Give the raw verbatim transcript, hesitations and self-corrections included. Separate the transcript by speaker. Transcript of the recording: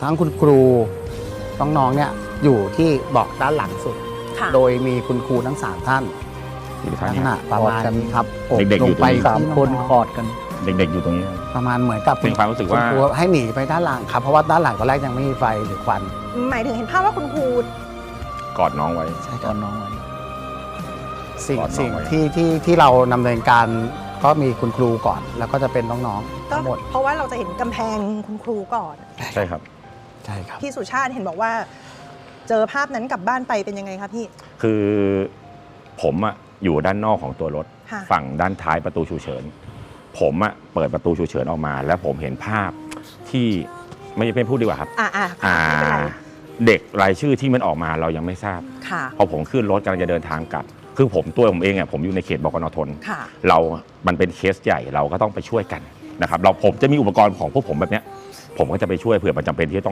Speaker 1: ทั้งคุณครูน้องๆเนี่ยอยู่ที่เบาะด้านหลังสุดโดยมีคุณครูทั้งสามท่านลักษณะประมาณนี้ครับ
Speaker 2: เด็กๆอยู่ตรงนี้
Speaker 1: สามคนคอร์ดกัน
Speaker 2: เด็กๆอยู่ตรงนี้
Speaker 1: ประมาณเหมือนกับ
Speaker 2: เป็นความรู้สึกว่า
Speaker 1: ให้หนีไปด้านหลังครับเพราะว่าด้านหลังตอนแรกยังไม่มีไฟหรือควัน
Speaker 3: หมายถึงเห็นภาพว่าคุณครู
Speaker 2: กอดน้องไว้
Speaker 1: ใช่กอดน้องไว้สิ่งสิ่งที่ที่ที่เราดำเนินการก็มีคุณครูก่อนแล้วก็จะเป็นน้องๆทั้งหมด
Speaker 3: เพราะว่าเราจะเห็นกำแพงคุณครูก่อน
Speaker 2: ใช่ครับ
Speaker 1: ใช่ครับ
Speaker 3: พี่สุชาติเห็นบอกว่าเจอภาพนั้นกลับบ้านไปเป็นยังไงครับพี่
Speaker 2: คือผมอะอยู่ด้านนอกของตัวรถฝั่งด้านท้ายประตูฉุกเฉินผมอะเปิดประตูฉุกเฉินออกมาแล้วผมเห็นภาพที่ไม่เป็นพูดดีกว่าครับ
Speaker 3: อ่าอ่า
Speaker 2: เด็กรายชื่อที่มันออกมาเรายังไม่ทราบพอผมขึ้นรถกำลังจะเดินทางกลับคือผมตัวผมเองอ่ะผมอยู่ในเขตบกน.ธนเรา มันเป็นเคสใหญ่เราก็ต้องไปช่วยกันนะครับเราผมจะมีอุปกรณ์ของพวกผมแบบเนี้ยผมก็จะไปช่วยเผื่อมันจำเป็นที่ต้อง